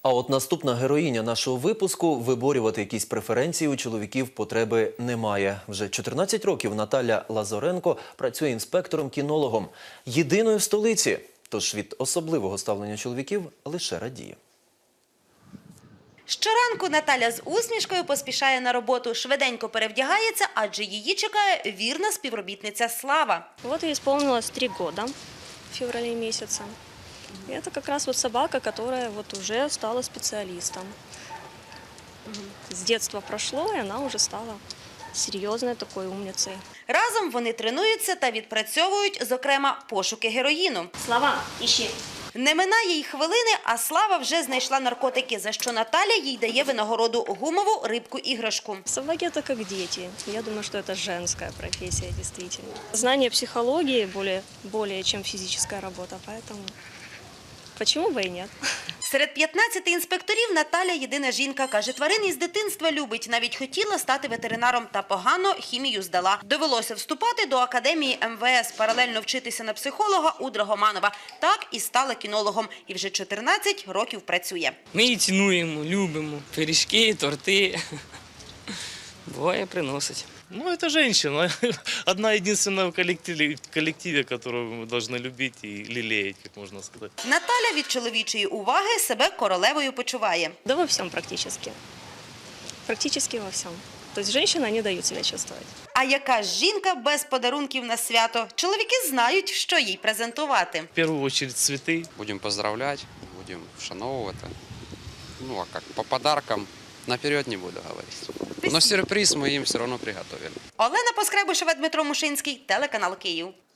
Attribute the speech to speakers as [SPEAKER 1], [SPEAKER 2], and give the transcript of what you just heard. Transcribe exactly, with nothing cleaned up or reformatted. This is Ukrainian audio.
[SPEAKER 1] А от наступна героїня нашого випуску – виборювати якісь преференції у чоловіків потреби немає. Вже чотирнадцять років Наталя Лазоренко працює інспектором-кінологом. Єдиною в столиці. Тож від особливого ставлення чоловіків лише радіє.
[SPEAKER 2] Щоранку Наталя з усмішкою поспішає на роботу, швиденько перевдягається, адже її чекає вірна співробітниця Слава.
[SPEAKER 3] Вот ей исполнилось три года в феврале месяце. И это как раз вот собака, которая вот уже стала специалистом. С детства прошло, и она уже стала серьезной такой умницей.
[SPEAKER 2] Разом вони тренуються та відпрацьовують, зокрема, пошуки героїну.
[SPEAKER 3] Слава, ищи.
[SPEAKER 2] Не минає й хвилини, а Слава вже знайшла наркотики, за що Наталя їй дає винагороду – гумову рибку-іграшку.
[SPEAKER 3] Собаки – это как дети. Я думаю, что это женская профессия, действительно. Знание психологии более, более чем физическая работа, поэтому почему бы и нет?
[SPEAKER 2] Серед п'ятнадцяти інспекторів Наталя єдина жінка. Каже, тварин із дитинства любить. Навіть хотіла стати ветеринаром та погано хімію здала. Довелося вступати до академії ем ве ес, паралельно вчитися на психолога у Драгоманова. Так і стала кінологом. І вже чотирнадцять років працює.
[SPEAKER 4] Ми її цінуємо, любимо. Пиріжки, торти. Буває, приносить.
[SPEAKER 5] Ну, это женщина. Одна единственная в коллективе, в коллективе, которую мы должны любить и лелеять, как можно сказать.
[SPEAKER 2] Наталя від чоловічої уваги себе королевою почуває.
[SPEAKER 3] Да во всем практически. Практически во всем. То есть женщины не дают себя чувствовать.
[SPEAKER 2] А яка ж жінка без подарунків на свято? Чоловіки знають, що їй презентувати.
[SPEAKER 5] В первую очередь цветы.
[SPEAKER 6] Будем поздравлять, будем вшановувати. Ну, а как, по подаркам наперед не буду говорить. Но сюрприз мы им все равно приготовили.
[SPEAKER 2] Олена Поскребушева, Дмитро Мушинський, телеканал Київ.